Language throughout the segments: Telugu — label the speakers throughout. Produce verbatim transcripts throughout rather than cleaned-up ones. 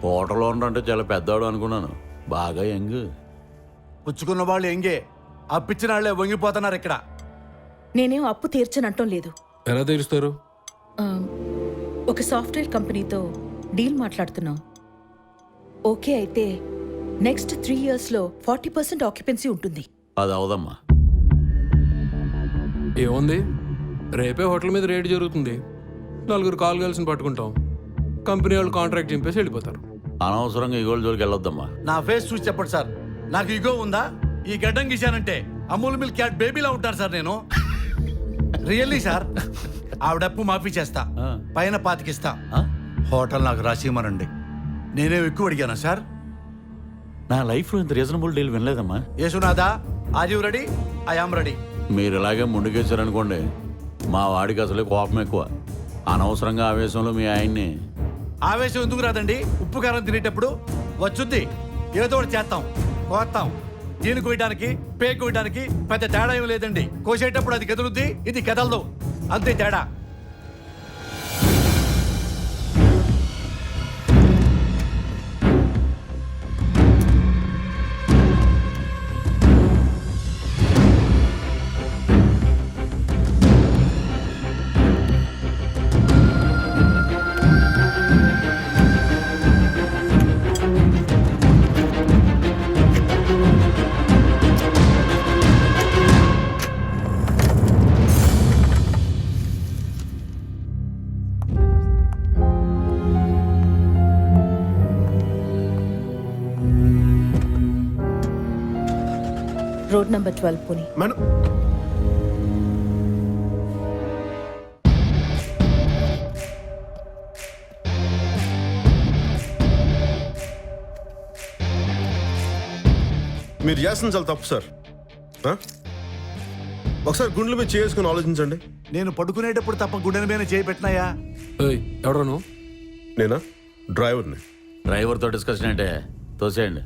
Speaker 1: హోటల్ ఓనర్ అంటే చాలా పెద్దవాడు అనుకున్నాను, బాగా యంగ్.
Speaker 2: పుచ్చుకున్న వాళ్ళు ఎంగే, అప్పిచ్చిన వాళ్ళే వంగిపోతున్నారు ఇక్కడ.
Speaker 3: నేనేం అప్పు తీర్చనంటం లేదు.
Speaker 4: ఎలా తీరుస్తారు?
Speaker 3: ఆ, ఒక సాఫ్ట్వేర్ కంపెనీతో డీల్ మాట్లాడుతున్నాం. ఓకే అయితే నెక్స్ట్ త్రీ ఇయర్స్లో ఫార్టీ పర్సెంట్ ఆక్యుపెన్సీ ఉంటుంది.
Speaker 1: అది అవదమ్మా.
Speaker 4: ఏముంది, రేపే హోటల్ మీద రేట్ జరుగుతుంది. నలుగురు కాల్ గర్ల్స్ని పట్టుకుంటాం, కంపెనీ వాళ్ళు కాంట్రాక్ట్ చింపేసి వెళ్ళిపోతారు.
Speaker 1: అనవసరంగా ఈ గోల్డ్ జోలికి వెళ్ళొద్దమ్మా.
Speaker 2: నా ఫేస్ చూసి చెప్పండి సార్, నాకు ఇగో ఉందా? ఈ గడ్డం గీశానంటే అమూల్ మిల్క్ క్యాట్ బేబీలా ఉంటాను సార్ నేను. Really sir. ఆవిడప్పు మాఫీ చేస్తా, పైన పాతికిస్తా. హోటల్ నాకు రాసిమనండి. నేనేం ఎక్కువ అడిగానా సార్?
Speaker 1: నా లైఫ్లో ఇంత రీజనబుల్ డీల్ వినలేదమ్మా.
Speaker 2: యేసునాథా, are you ready? I am ready.
Speaker 1: మీరు ఇలాగే ముందుకేశారనుకోండి, మా వాడికి అసలే కోపం ఎక్కువ. అనవసరంగా ఆవేశంలో మీ ఆయన్ని.
Speaker 2: ఆవేశం ఎందుకు రాదండి? ఉప్పు కారం తినేటప్పుడు వచ్చుద్ది, ఏదో ఒకటి చేస్తాం, కోస్తాం. దీని కోయడానికి పే కోయడానికి పెద్ద తేడా ఏం లేదండి. కోసేటప్పుడు అది కదులుద్ది, ఇది కదలదు, అంతే తేడా.
Speaker 3: రోడ్ నంబర్ ట్వెల్వ్ పుని.
Speaker 5: మేడం, మీరు చేస్తుంది చాలా తప్పు సార్. ఆ? ఒకసారి గుండెల మీద చేసుకుని ఆలోచించండి.
Speaker 2: నేను పడుకునేటప్పుడు తప్ప గుండెల మీద చేయి పెట్టినాయా?
Speaker 4: ఏయ్, ఎవడరా నువ్వు?
Speaker 5: నేనా? డ్రైవర్ని.
Speaker 1: డ్రైవర్తో డిస్కషన్ అంటే తోసేయండి.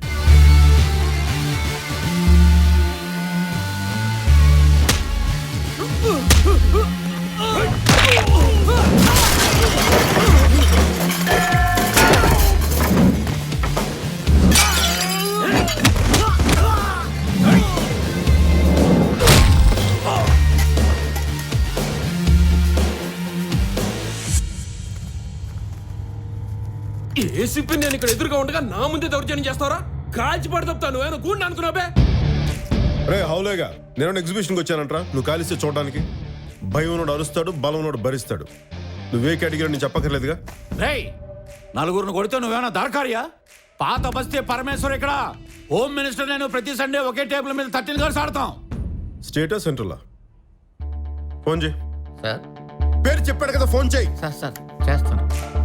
Speaker 4: ఏసీపీ నేను ఇక్కడ ఎదురుగా ఉండగా నా ముందే దౌర్జన్యం చేస్తావరా? కాల్చి పడతాను. నువ్వేనా గూండా అనుకున్నావే?
Speaker 5: రే హౌలేగా, నేను ఎగ్జిబిషన్కి వచ్చానంట్రా. నువ్వు కాలిస్తే చూడడానికి. భయం ఉన్నోడు అరుస్తాడు, బలం ఉన్నోడు భరిస్తాడు. నువ్వే కేటగిరీ నేను చెప్పక్కర్లేదుగా.
Speaker 1: రేయ్, నలుగురిని కొడితే నువ్వేనా దార్కారియా? పాత బస్తీ పరమేశ్వర్ ఇక్కడ. హోమ్ మినిస్టర్ నేను ప్రతి సండే ఒకే టేబుల్ మీద థర్టీన్ గర్ల్స్ ఆడతాం.
Speaker 5: స్టేటా సెంట్రలా? ఫోన్ చేయి.
Speaker 6: సార్
Speaker 5: పేరు చెప్పాడు కదా, ఫోన్ చేయి.
Speaker 6: సార్ సార్ చేస్తాను.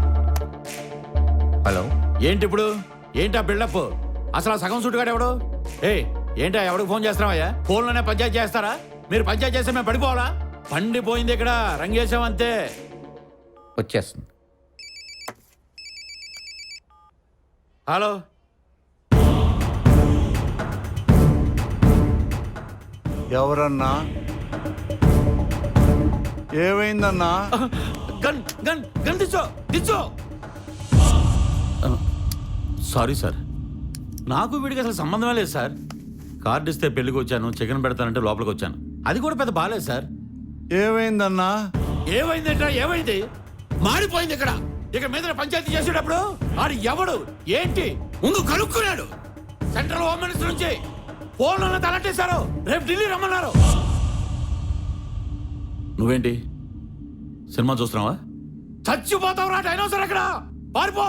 Speaker 6: హలో,
Speaker 1: ఏంటి ఇప్పుడు? ఏంటా బిల్డప్? అసలు ఆ సగం సుట్టుగాడు ఎవడు? ఏ ఏంటా, ఎవడికి ఫోన్ చేస్తున్నావయ్యా? ఫోన్లోనే పంచాయతీ చేస్తారా? మీరు పంచాయతీ చేస్తే మేము పడిపోవాలా? పండిపోయింది ఇక్కడ, రంగేశామంతే.
Speaker 6: వచ్చేస్తుంది.
Speaker 1: హలో,
Speaker 2: ఎవరన్నా? ఏమైందన్నా?
Speaker 1: గన్ గన్ గన్ దిచ్చో దిచ్చో. సారీ సార్, నాకు వీడికి అసలు సంబంధమే లేదు సార్. కార్డు ఇస్తే పెళ్లికి వచ్చాను, చికెన్ పెడతానంటే లోపలికి వచ్చాను. అది కూడా పెద్ద బాలేదు సార్.
Speaker 2: ఏమైందన్నా?
Speaker 1: ఏమైందంటే ఏమైంది? మాడిపోయింది ఇక్కడ. ఇక మీద పంచాయతీ చేసేటప్పుడు ఆడు ఎవడు ఏంటి ముందు కనుక్కున్నాడు. సెంట్రల్ హోమ్ మినిస్టర్ నుంచి ఫోన్లో తలట్టేశారు. రేపు ఢిల్లీ రమ్మన్నారు. నువ్వేంటి సినిమా చూస్తున్నావా? చచ్చిపోతావు రా డైనోసర్ అక్కడ. పారిపో.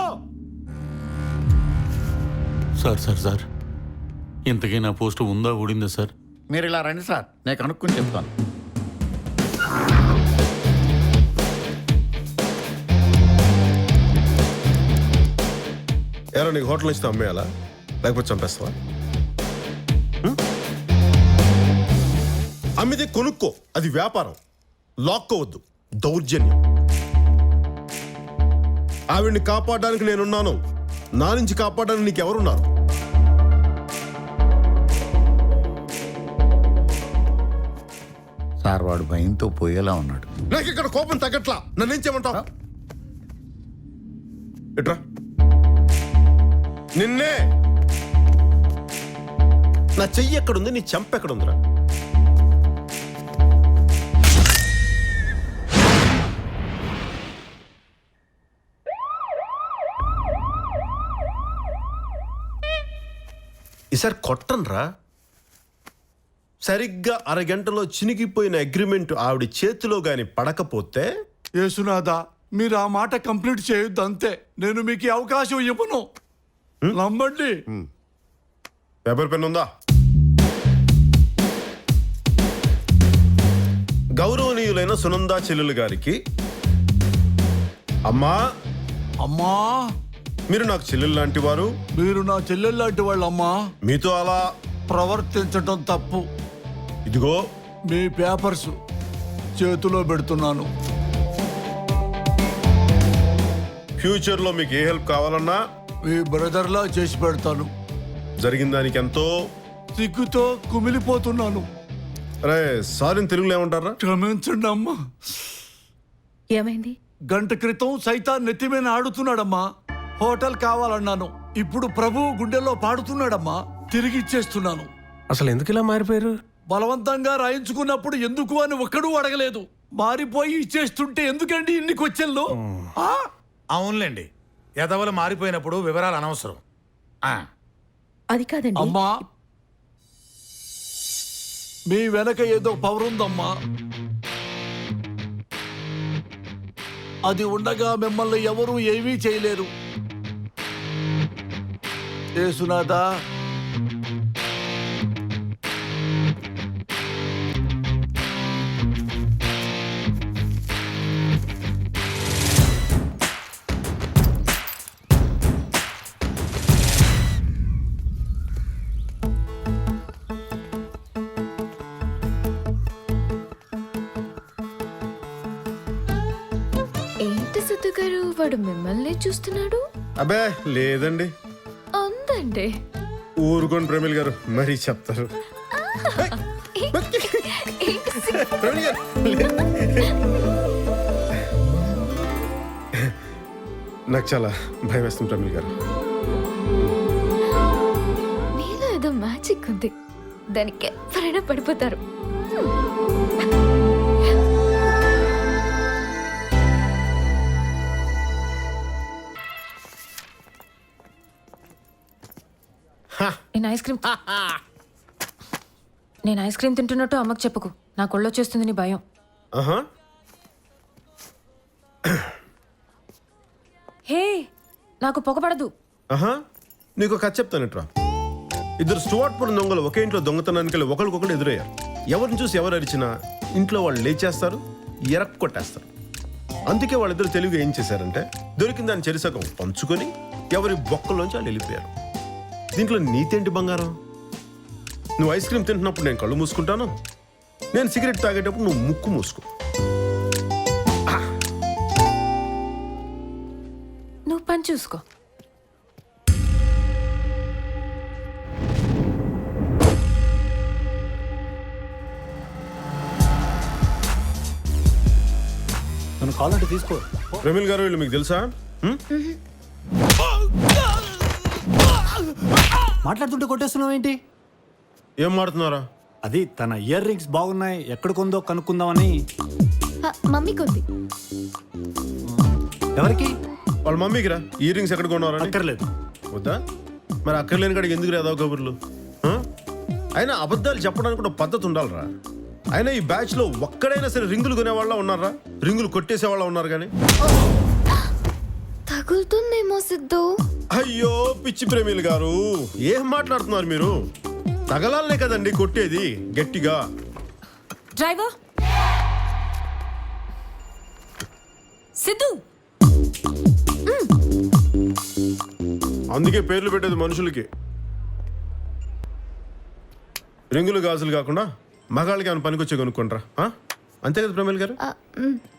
Speaker 1: సార్ సార్ సార్ ఇంతకీ నా పోస్ట్ ఉందా ఊడిందా సార్?
Speaker 6: మీరు ఇలా రండి సార్, నేను కనుక్కుని చెప్తాను.
Speaker 5: ఎలా నీకు హోటల్ ఇస్తే అమ్మేయాలా, లేకపోతే చంపేస్తావా? అమ్మితే కొనుక్కో, అది వ్యాపారం. లాక్కోవద్దు, దౌర్జన్యం. ఆవిడ్ని కాపాడడానికి నేనున్నాను, నా నుంచి కాపాడడానికి నీకెవరున్నారు?
Speaker 6: సార్ వాడు భయంతో పోయేలా ఉన్నాడు.
Speaker 5: నాకు ఇక్కడ కోపం తగ్గట్లా, నన్నేం చేయమంటావు? ఎట్రా నిన్నే. నా చెయ్యి ఎక్కడుంది, నీ చెంప ఎక్కడుందిరా? ఈసారి కొట్టనరా. సరిగ్గా అరగంటలో చినిగిపోయిన అగ్రిమెంట్ ఆవిడ చేతిలో గాని పడకపోతే
Speaker 2: యేసునాథ, మీరు ఆ మాట కంప్లీట్ చేయొద్దు అంతే. నేను మీకు ఈ అవకాశం ఇవ్వను. నమ్మండి.
Speaker 5: పేపర్ పెన్ ఉందా? గౌరవనీయులైన సునందా చెల్లెలు గారికి, అమ్మా
Speaker 2: అమ్మా,
Speaker 5: మీరు నాకు చెల్లెలు లాంటి వారు.
Speaker 2: మీరు నా చెల్లెలు లాంటి వాళ్ళమ్మా.
Speaker 5: మీతో అలా
Speaker 2: ప్రవర్తించటం తప్పు.
Speaker 5: ఇదిగో
Speaker 2: మీ పేపర్స్ చేతిలో పెడుతున్నాను.
Speaker 5: ఫ్యూచర్ లో మీకు ఏ హెల్ప్ కావాలన్నా
Speaker 2: మీ బ్రదర్లా చేసి పెడతాను.
Speaker 5: జరిగిన దానికి ఎంతో
Speaker 2: సిగ్గుతో కుమిలిపోతున్నాను.
Speaker 5: అరే సారీ తెలుగులో ఏమంటారా?
Speaker 2: క్షమించండి అమ్మా.
Speaker 3: ఏమైంది?
Speaker 2: గంట క్రితం సైతాన్ నెత్తి మీద ఆడుతున్నాడమ్మా. హోటల్ కావాలన్నాను. ఇప్పుడు ప్రభువు గుండెల్లో పాడుతున్నాడమ్మా. తిరిగి ఇచ్చేస్తున్నాను.
Speaker 4: అసలు ఎందుకు ఇలా మారిపోయారు?
Speaker 2: బలవంతంగా రాయించుకున్నప్పుడు ఎందుకు అని ఒక్కడూ అడగలేదు. మారిపోయి ఇచ్చేస్తుంటే ఎందుకండి ఇన్ని క్వశ్చన్లు? ఆ?
Speaker 7: అవునులేండి, ఎదవలు మారిపోయినప్పుడు వివరాలు అనవసరం. ఆ,
Speaker 3: అది కాదండి.
Speaker 2: అమ్మా, మీ వెనక ఏదో పవర్ ఉందమ్మా. అది ఉండగా మిమ్మల్ని ఎవరూ ఏమీ చేయలేరు. యేసునాథా,
Speaker 8: ఏంటి సిద్ధు గారు, వాడు మిమ్మల్ని చూస్తున్నాడు?
Speaker 5: అబ్బే లేదండి.
Speaker 8: ఉందండి.
Speaker 5: ఊరుకోండి ప్రమిల్ గారు, మరీ చెప్తారు. ప్రమిల్ గారు, నాకు చాలా భయం వేస్తుంది ప్రమిల్ గారు.
Speaker 8: మీలో ఏదో మ్యాజిక్ ఉంది, దానికి ఎవరైనా పడిపోతారు.
Speaker 9: నేను ఐస్ క్రీమ్ నేను ఐస్ క్రీమ్ తింటున్నట్టు అమ్మకు చెప్పుకు. నా కొళ్ళు వచ్చేస్తుంది నీ భయం.
Speaker 5: ఆహా,
Speaker 9: హే, నాకు పొగపడదు.
Speaker 5: ఆహా, నీకు కథ చెప్తానట్రా. ఇద్దరు స్టువార్ట్పురం దొంగలు ఒకే ఇంట్లో దొంగతనానికి వెళ్ళి ఒకరికొకరు ఎదురయ్యారు. ఎవరిని చూసి ఎవరు అరిచినా ఇంట్లో వాళ్ళు లేచేస్తారు, ఎరక్ కొట్టేస్తారు. అందుకే వాళ్ళిద్దరు తెలివిగా ఏం చేశారంటే దొరికిన దాన్ని చెరిసగం పంచుకొని ఎవరి బొక్కలోంచి వాళ్ళు వెళ్ళిపోయారు. దీంట్లో నీతేంటి బంగారం? నువ్వు ఐస్ క్రీమ్ తింటున్నప్పుడు నేను కళ్ళు మూసుకుంటాను, నేను సిగరెట్ తాగేటప్పుడు నువ్వు ముక్కు మూసుకో.
Speaker 9: నువ్వు పని చూసుకో.
Speaker 2: నన్ను కావాలంటే తీసుకో.
Speaker 5: ప్రమిల్ గారు వీళ్ళు మీకు తెలుసా? హ్మ్?
Speaker 10: మాట్లాడుతుంటే కొట్టేస్తున్నావు ఏంటి?
Speaker 5: ఏం మాడుతున్నారా?
Speaker 10: అది తన ఇయర్ రింగ్స్ బాగున్నాయి, ఎక్కడ కొందో కనుక్కుందామని.
Speaker 8: ఆ, మమ్మీకి ఉంది.
Speaker 10: ఎవరికి?
Speaker 5: వాళ్ళ మమ్మీకి రా. ఇయర్ రింగ్స్ ఎక్కడ కొన్నారా?
Speaker 10: అక్కర్లేదు.
Speaker 5: వద్దా? మరి అక్కర్లేని కాడికి ఎందుకు రాదావు కబుర్లు? ఆ? అయినా అబద్ధాలు చెప్పడానికి కూడా పద్ధతి ఉండాలిరా. అయినా ఈ బ్యాచ్ లో ఒక్కడైనా సరే రింగులు కొనేవాళ్ళ ఉన్నారా? రింగులు కొట్టేసే వాళ్ళ ఉన్నారు కానీ.
Speaker 8: తగులుతుందేమో సిద్ధు.
Speaker 5: అయ్యో పిచ్చి ప్రేమిలు గారు, ఏం మాట్లాడుతున్నారు మీరు? తగలాలనే కదండి కొట్టేది గట్టిగా.
Speaker 9: డ్రైవర్ సిద్ధు,
Speaker 5: అందుకే పేర్లు పెట్టేది మనుషులకి. రింగులు గాజులు కాకుండా మగాళ్ళకి ఏమైనా పనికొచ్చే కొనుక్కుంటారా? అంతే కదా ప్రేమిల్ గారు?
Speaker 8: ఆ, మ్.